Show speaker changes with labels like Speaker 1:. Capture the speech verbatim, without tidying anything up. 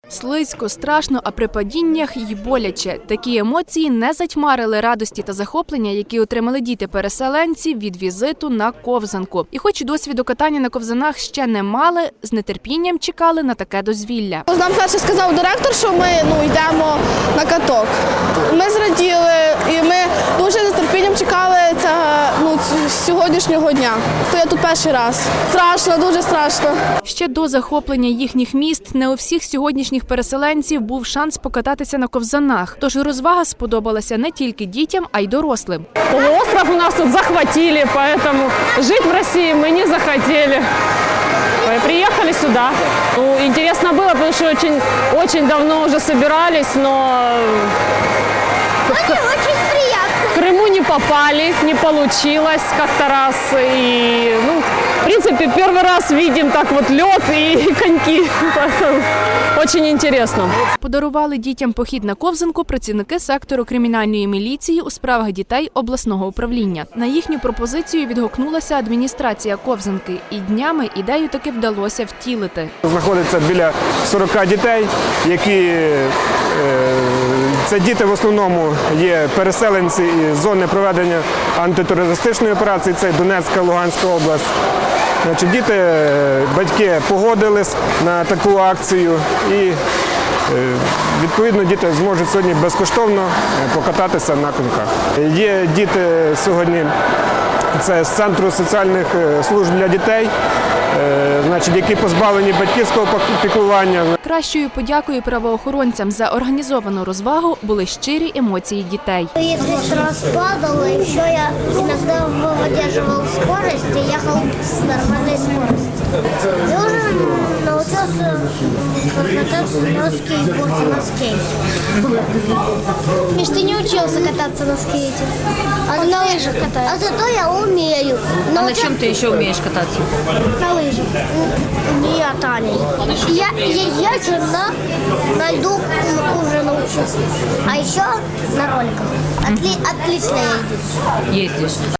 Speaker 1: Слизько, страшно, а при падіннях й боляче. Такі емоції не затьмарили радості та захоплення, які отримали діти-переселенці від візиту на ковзанку. І хоч досвіду катання на ковзанах ще не мали, з нетерпінням чекали на таке дозвілля.
Speaker 2: Нам перше сказав директор, що ми ну, йдемо на каток. Ми зраділи і ми дуже з нетерпінням чекали цього, ну, сьогоднішнього дня. То я тут перший раз. Страшно, дуже страшно.
Speaker 1: Ще до захоплення їхніх міст не у всіх сьогоднішніх переселенців був шанс покататися на ковзанах. Тож розвага сподобалася не тільки дітям, а й дорослим.
Speaker 3: Полуостров у нас тут захватили, поэтому жить в России мы не захотели. Приехали сюда. Ну, интересно было, потому что очень, очень давно уже собирались, но в Крыму не попали, не получилось как-то раз. И, ну, в принципе, первый раз видим так вот лед и коньки. Очень интересно.
Speaker 1: Подарували дітям похід на ковзанку працівники сектору кримінальної міліції у справах дітей обласного управління. На їхню пропозицію відгукнулася адміністрація ковзанки. І днями ідею таки вдалося втілити.
Speaker 4: Знаходиться біля сорока дітей, які це діти в основному є переселенці із зони проведення антитерористичної операції, це Донецька, Луганська область. Значить, діти, батьки погодились на таку акцію і відповідно діти зможуть сьогодні безкоштовно покататися на коньках. Є діти сьогодні, це з Центру соціальних служб для дітей, значить, які позбавлені батьківського піклування.
Speaker 1: Кращою подякою правоохоронцям за організовану розвагу були щирі емоції дітей.
Speaker 5: Если раз падал, еще я иногда выдерживал скорость и ехал с нормальной скоростью. Я уже научился кататься на скейтборде, на скейте. Миш, ты не учился кататься на скейте? А на лыжах катаюсь. А зато я умею.
Speaker 6: А на чем ты еще умеешь кататься?
Speaker 5: На лыжах. Не я, Таня. Я, я езжу на, на льду, уже научился. А еще на роликах. Отли, отлично ездить.
Speaker 6: Ездишь.